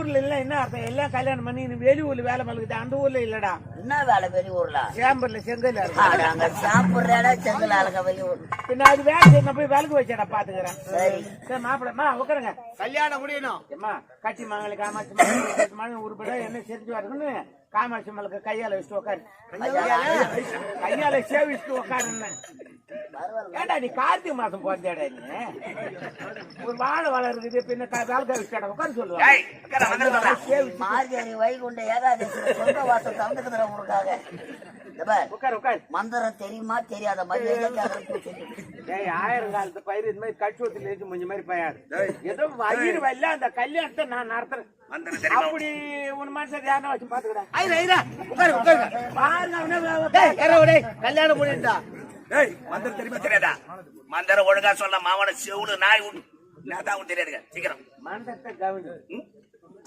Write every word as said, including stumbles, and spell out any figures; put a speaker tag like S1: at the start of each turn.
S1: ஊர்ல இல்ல என்ன அர்த்தம் எல்லாம் கல்யாணம் பண்ணி வெளி ஊர்ல வேலை மலுக்குது அந்த ஊர்ல இல்லடா
S2: என்ன வேலை வெளி ஊர்ல
S1: சேம்பர்ல செங்கல்
S2: அங்க சாப்பிடுற செங்கல் ஆளுங்க வெளி ஊர்
S1: பின்ன அது வேலை செய்ய போய் விளக்கு வச்சேடா பாத்துக்கிறேன்
S2: சரி
S1: சரி மாப்பிளமா உட்காருங்க
S3: கல்யாணம் முடியணும்
S1: ஏமா கட்டி மங்களி காமாட்சி மங்கி உருப்பட என்ன செஞ்சு வரணும்னு காமாட்சி மலுக்கு கையால வச்சுட்டு உட்காரு கையால சேவிச்சுட்டு உட்காருன்னு ஏடா நீ கார்த்திகை மாசம் போந்தேடா நீ ஒரு வாழை வளருக்குது பின்ன வேலைக்கா வச்சுடா உட்காரு சொல்லுவாங்க
S2: மார்கழி வைகுண்ட ஏகாதசி சொந்த வாசம் தந்துக்குதுற உங்களுக்காக
S1: உட்காரு உட்காரு
S2: மந்திரம் தெரியுமா தெரியாத மாதிரி
S1: ஆயிரம் காலத்து பயிர் இந்த மாதிரி கட்சுவத்தில் இருக்கு கொஞ்சம் மாதிரி பயாரு ஏதோ வயிறு வரல அந்த கல்யாணத்தை நான் நடத்துறேன் அப்படி உன் மனசை யாரும் வச்சு பாத்துக்கிறேன்
S3: கல்யாணம் முடியுண்டா
S4: மந்திரம் தெரியுமா தெரியாதா மந்திரம் ஒழுங்கா சொல்ல மாவன செவுடு நாய் உண்டு தெரியாதுங்க சீக்கிரம்
S1: மந்திரத்தை கவனி